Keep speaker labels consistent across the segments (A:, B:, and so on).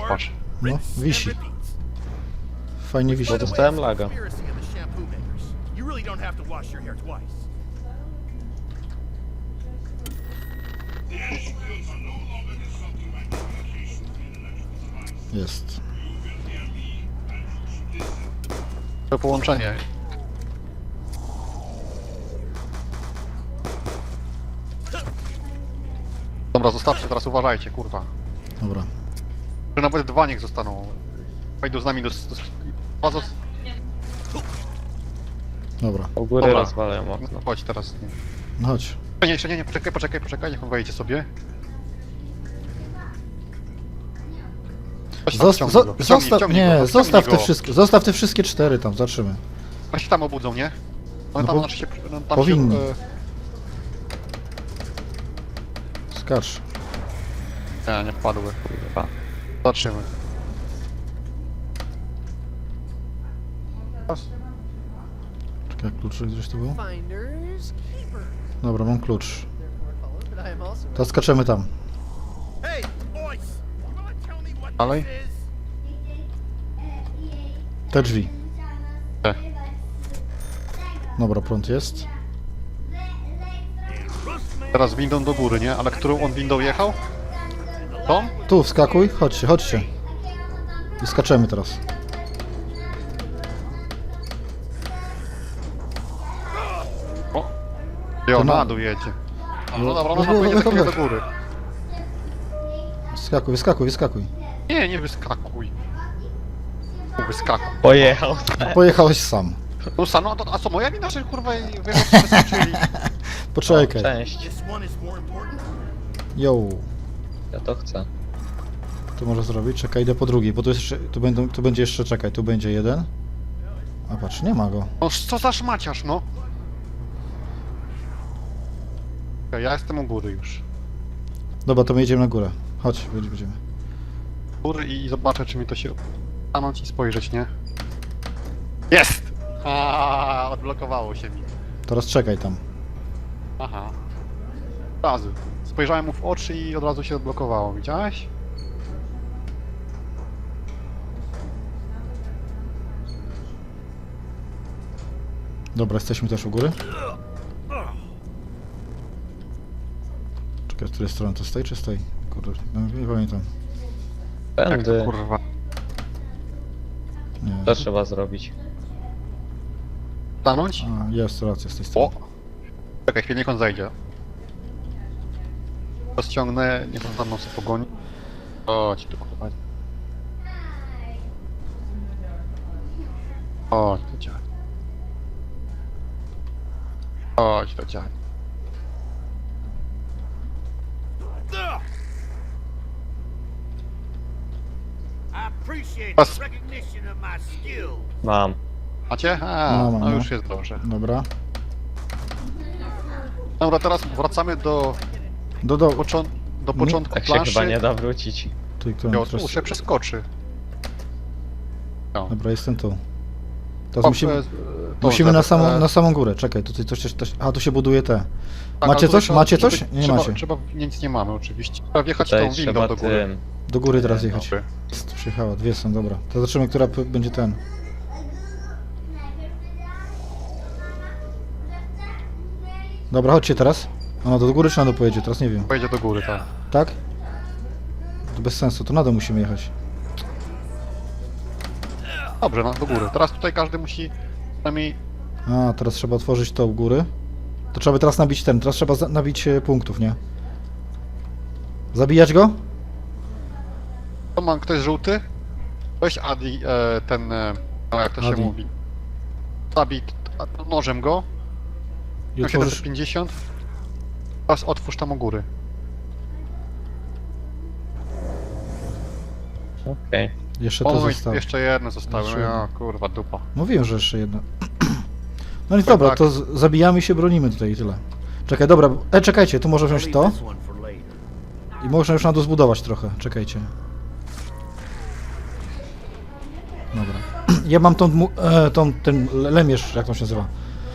A: patrz.
B: No, wisi. Fajnie wisi.
C: Bo dostałem laga.
B: Jest.
A: To połączenie. Dobra, zostawcie, teraz uważajcie, kurwa.
B: Dobra.
A: Że nawet dwa niech zostaną. Wejdą z nami do...
B: Dobra.
C: U góry
A: Dobra.
C: rozwalają okno.
A: Chodź teraz.
B: No chodź.
A: Nie, jeszcze nie, poczekaj, niech on wejdzie sobie. Chodź tam, wciągnij go.
B: Zostaw,
A: Wciągnij
B: nie,
A: go,
B: zostaw te wszystkie 4 tam, zobaczymy.
A: Oni się tam obudzą, nie? One
B: No
A: tam,
B: bo-
A: znaczy się, tam
B: powinni.
A: Się,
B: Skacz.
A: nie wpadły. Kurwa. Zobaczymy.
B: Czekaj, kluczyk gdzieś tu był?
D: Finders keepers.
B: Dobra, mam klucz.
D: But I am also
B: To skaczemy tam.
D: Hey, boys! You wanna tell me what
A: Dalej?
D: this is?
B: Te drzwi.
A: Te.
B: Dobra, prąd jest.
A: Teraz windą do góry, nie? Ale którą on windą jechał? Tą?
B: Tu, wskakuj, chodźcie, chodźcie. I skaczemy teraz.
A: O! Jo,
B: To na-
A: na dół jedzie. No dobra,
B: No,
A: można
B: no,
A: powiedzieć
B: no,
A: do
B: no.
A: góry.
B: Wyskakuj, wyskakuj, wyskakuj.
A: Nie, nie wyskakuj. Wyskakuj.
C: Pojechał.
B: Pojechałeś sam.
A: No no, a co, moja wina, że kurwa wyskoczyli?
B: Poczekaj.
C: Cześć.
D: This one is more important.
B: Yo.
C: Ja to chcę.
B: Tu można zrobić. Czekaj, idę po drugi, bo tu jest jeszcze, tu będzie jeszcze, czekaj, tu będzie jeden. A patrz, nie ma go.
A: No co za szmaciarz, no? Okej, ja jestem u góry już.
B: Dobra, to my jedziemy na górę. Chodź, będziemy.
A: Góry i zobaczę, czy mi to się... stanąć i spojrzeć, nie? Jest! Odblokowało się mi.
B: Teraz czekaj tam.
A: Aha. Od razu. Spojrzałem mu w oczy i od razu się odblokowało, widziałeś?
B: Dobra, jesteśmy też u góry. Czekaj, z której strony to stoi, czy stoi? Kurde, no, nie pamiętam.
A: Jak to
C: Tędy.
A: kurwa.
B: Nie.
C: To trzeba zrobić.
A: Stanąć?
B: A, jest racja z tej
A: O!
B: strony.
A: Czekaj, chwilę, niech on zejdzie. Rozciągnę, niech on za mną sobie pogoni. Chodź tu kurwa. Chodź do dziadka. Chodź do dziadka.
D: I appreciate
A: Pas-
D: the recognition of my skill.
A: Mam. Macie?
B: Mam,
A: No
B: no.
A: już jest dobrze.
B: Dobra.
A: Dobra, teraz wracamy do,
B: Do.
A: do początku
C: Tak się
A: planszy.
C: chyba nie da wrócić.
B: Tu, którą
A: Jo,
B: teraz...
A: tu się przeskoczy. No.
B: Dobra, jestem tu. Teraz
A: O,
B: musimy,
A: to
B: musimy
A: zaraz,
B: na samą górę. Czekaj, tutaj coś... A, tu się buduje te.
A: tak,
B: Macie
A: ale
B: coś?
A: trzeba-
B: Macie coś?
A: trzeba-
B: Nie
A: trzeba,
B: macie.
A: Trzeba, nic nie mamy oczywiście. Trzeba wjechać
C: Tutaj
A: tą windą
C: trzeba
A: do góry.
C: tym.
B: Do góry teraz jechać.
A: Dobry.
B: Jest, przyjechała, dwie są, dobra. To zobaczymy, która będzie ten. Dobra, chodźcie teraz. Ona do góry czy na dół pojedzie? Teraz nie wiem.
A: Pojedzie do góry, tak.
B: Tak? To bez sensu, to na dół musimy jechać.
A: Dobrze, no do góry. Teraz tutaj każdy musi przynajmniej...
B: A, teraz trzeba otworzyć to u góry. To trzeba by teraz nabić ten, teraz trzeba nabić punktów, nie? Zabijać go?
A: To mam ktoś żółty? Weź Adi, ten... no jak to się
B: Adi.
A: mówi. Zabij nożem go.
B: I otworzysz...
A: 750. Teraz otwórz tam u góry.
C: Okej.
B: Jeszcze to
A: Oj,
B: zostało.
A: jeszcze jedno zostało.
B: Jeszcze
A: Ja,
B: jedno.
A: kurwa, dupa.
B: Mówiłem, że jeszcze jedno. No i dobra,
A: tak.
B: to zabijamy się, bronimy tutaj i tyle. Czekaj, dobra, czekajcie, tu może
D: I'll
B: wziąć
D: leave
B: to
D: this one for later.
B: i można już na dół zbudować trochę, czekajcie. Dobra. Ja mam ten lemierz, jak to się nazywa.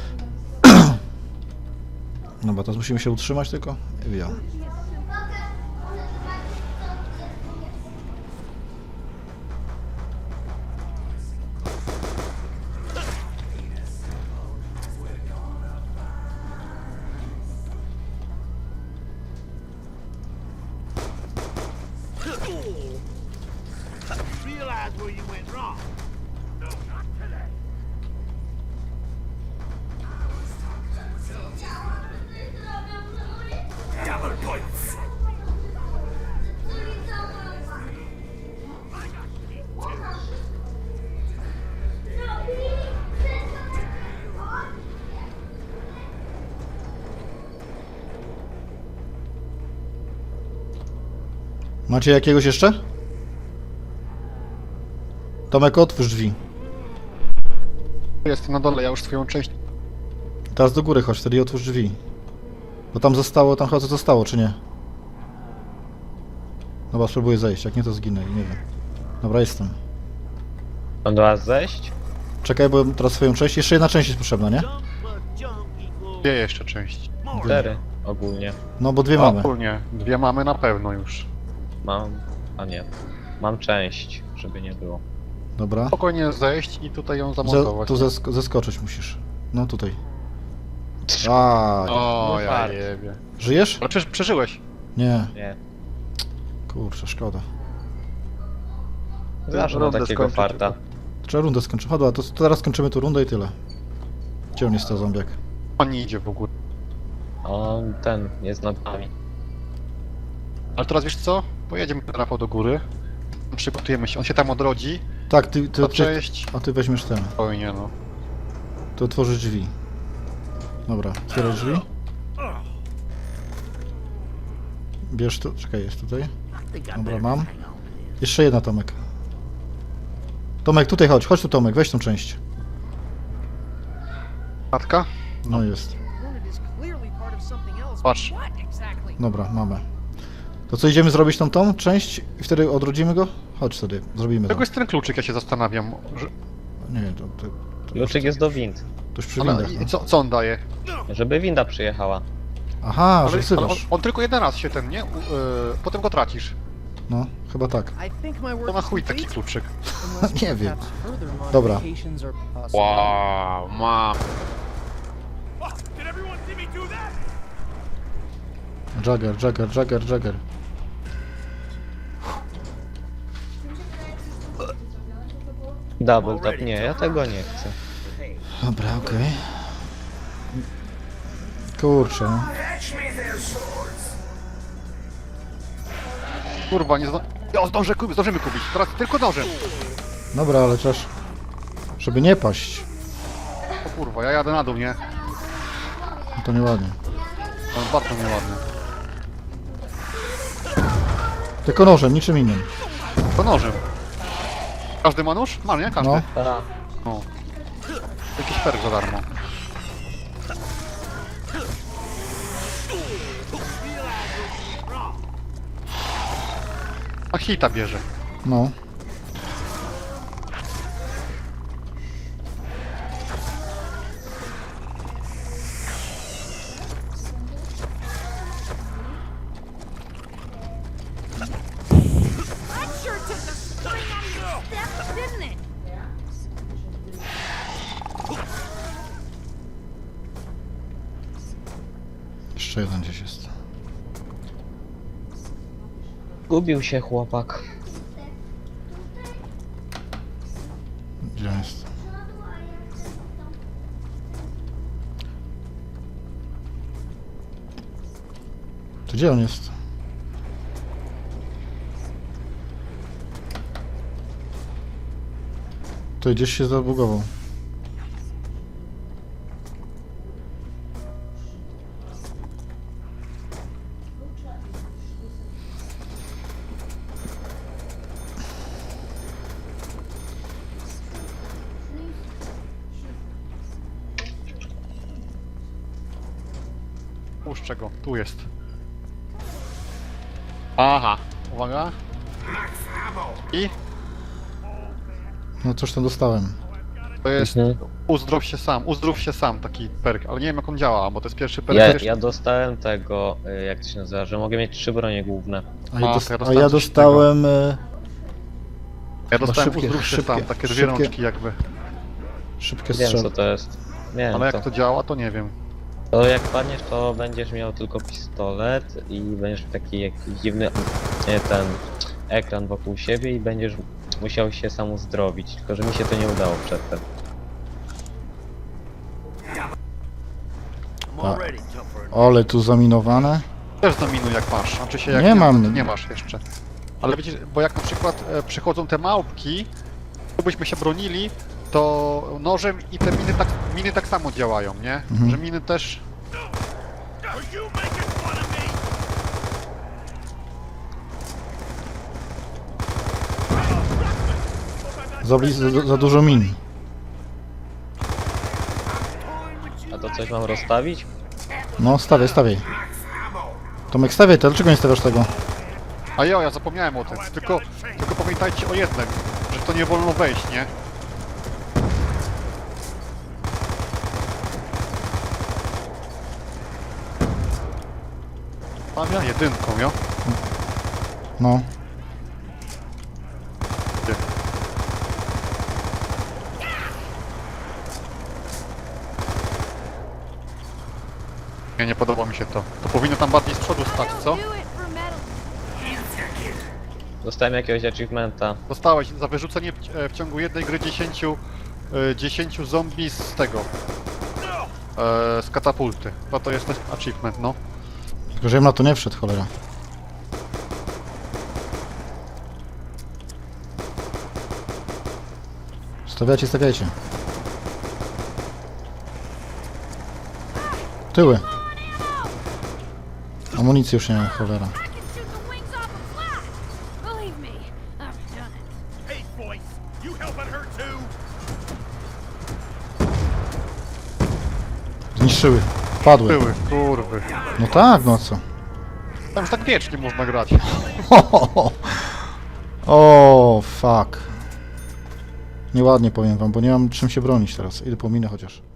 B: Dobra, teraz musimy się utrzymać tylko. Ja.
D: where you went wrong. No, not today. Double points.
B: Macie jakiegoś jeszcze? Tomek, otwórz drzwi.
A: Jestem na dole, ja już swoją część...
B: Teraz do góry chodź, wtedy i otwórz drzwi. Bo tam zostało, tam chyba co zostało, czy nie? Dobra, spróbuję zejść, jak nie to zginę i nie wiem. Dobra, jestem.
C: Mam do was zejść?
B: Czekaj, bo teraz swoją część, jeszcze jedna część jest potrzebna, nie?
D: Jump plus jump equals
A: Gdzie jeszcze część?
D: more.
C: 4 ogólnie.
B: No bo dwie mamy.
A: Ogólnie, dwie mamy na pewno już.
C: Mam... a nie. Mam część, żeby nie było.
B: Dobra.
A: Spokojnie zejść i tutaj ją
B: Ze,
A: zamontować.
B: tu zeskoczyć musisz. No tutaj. A,
A: O,
C: No
A: ja
C: fart.
A: jebie.
B: żyjesz?
A: Ale przecież przeżyłeś.
B: Nie.
C: Nie.
B: Kurczę, szkoda.
C: Zawsze mam
A: rundę
C: takiego
A: skończyć
C: farta.
A: tylko.
B: Trzeba rundę skończyć. Chodź, to teraz skończymy tu rundę i tyle. Gdzie on jest, to zombiak?
A: On nie idzie w ogóle.
C: On ten jest nad nami.
A: Ale teraz wiesz co? Pojedziemy Rafał do góry. Przygotujemy się, on się tam odrodzi.
B: Tak, ty,
A: To cześć.
B: a ty weźmiesz ten.
A: Spokojnie no.
B: To otworzysz drzwi. Dobra, otwieraj drzwi. Bierz to, czekaj, jest tutaj. Dobra, mam. Jeszcze jedna, Tomek. Tomek, tutaj chodź, chodź tu, Tomek, weź tą część.
A: Matka?
B: No jest.
E: Hornet is clearly part of something else.
A: Patrz.
E: What exactly?
B: Dobra, mamy. To co, idziemy zrobić tą część i wtedy odrodzimy go? Chodź wtedy, zrobimy to.
A: Czego jest ten kluczyk, ja się zastanawiam. Że...
B: Nie, to
C: Kluczyk jest do wind.
B: już przy
A: Ale
B: windach,
A: i
B: no.
A: co on daje?
C: Żeby winda przyjechała.
B: Aha, że
A: Ale on,
B: wzywasz.
A: on tylko jeden raz się ten, nie? Potem go tracisz.
B: No, chyba tak.
E: I think my work
A: To na
E: is
A: chuj taki
E: complete,
A: kluczyk.
E: unless
B: Nie wiem.
E: perhaps further
B: Dobra.
E: modifications are possible.
A: Wow, mam.
D: Oh, did everyone see me do that?
B: Jagger.
C: Double tap. Nie, ja tego nie chcę.
B: Dobra, okej. Kurczę. no.
A: Kurwa, nie ja zdążymy kupić. Teraz tylko nożem.
B: Dobra, ale też... Żeby nie paść.
A: O kurwa, ja jadę na dół, nie?
B: No to nieładnie.
A: To bardzo nieładny.
B: Tylko nożem, niczym innym.
A: To nożem. Każdy ma nóż? Ma, nie? Każdy.
B: No.
C: A,
A: No. Jakiś perk za darmo. A hita bierze.
B: No.
F: That sure took the spring out of your step, didn't it?
B: Jeszcze jeden gdzieś jest.
C: gubił się chłopak.
B: Gdzie on jest? To gdzie on jest? To gdzieś się zabugował.
A: Puszczę go, tu jest. Aha, uwaga. I
B: No coś tam dostałem.
A: to jest
C: Mhm.
A: uzdrów się sam, taki perk, ale nie wiem jak on działa, bo to jest pierwszy perk.
C: Ja dostałem tego, jak to się nazywa, że mogę mieć 3 bronie główne.
B: A,
A: A,
B: ja,
A: to ja dostałem coś
B: dostałem...
A: Ja dostałem
B: szybkie-
A: uzdrów się
B: szybkie-
A: sam, takie dwie
B: szybkie-
A: rączki jakby.
B: szybkie
C: Wiem
B: strzały.
C: co to jest. Wiem
A: Ale
C: to.
A: jak to działa, to nie wiem.
C: To jak padniesz, to będziesz miał tylko pistolet i będziesz miał taki jakiś dziwny ten ekran wokół siebie i będziesz musiał się sam uzdrowić, tylko że mi się to nie udało przedtem.
D: I'm already tougher.
B: Ole, tu zaminowane.
A: Też zaminuj jak masz, znaczy się jak
B: Nie mam.
A: to nie masz jeszcze. Ale widzisz, bo jak na przykład przychodzą te małpki, gdybyśmy się bronili, to nożem i te miny tak samo działają, nie? Że miny też...
D: Are you making fun of me?
B: Za dużo min.
C: A to coś mam rozstawić?
B: No, stawiaj, stawiaj. Tomek, stawiaj to, dlaczego nie stawiasz tego?
A: A ja zapomniałem o tym. Tylko pamiętajcie o jednym, że w to nie wolno wejść, nie? Tam ja jedynką, jo?
B: No.
A: Ty. Nie podoba mi się to. To powinno tam bardziej z przodu stać, co?
F: Do it for metal.
C: Dostałem jakiegoś achievementa.
A: Dostałeś za wyrzucenie w ciągu jednej gry 10 zombie z tego. Z katapulty. To jest też achievement, no.
B: Tylko, że ja na to nie wszedł, cholera. Stawiajcie, stawiajcie. Tyły. Amunicji już nie ma, cholera.
F: I can shoot the wings off a flash. Believe me, I've done it.
D: Hey, voice, you helping her too?
B: Zniszczyły. Padły.
A: Były, kurwy.
B: No tak, no co?
A: Tam już tak wiecznie można grać.
B: O, fuck. Nieładnie powiem wam, bo nie mam czym się bronić teraz. Idę po minę chociaż.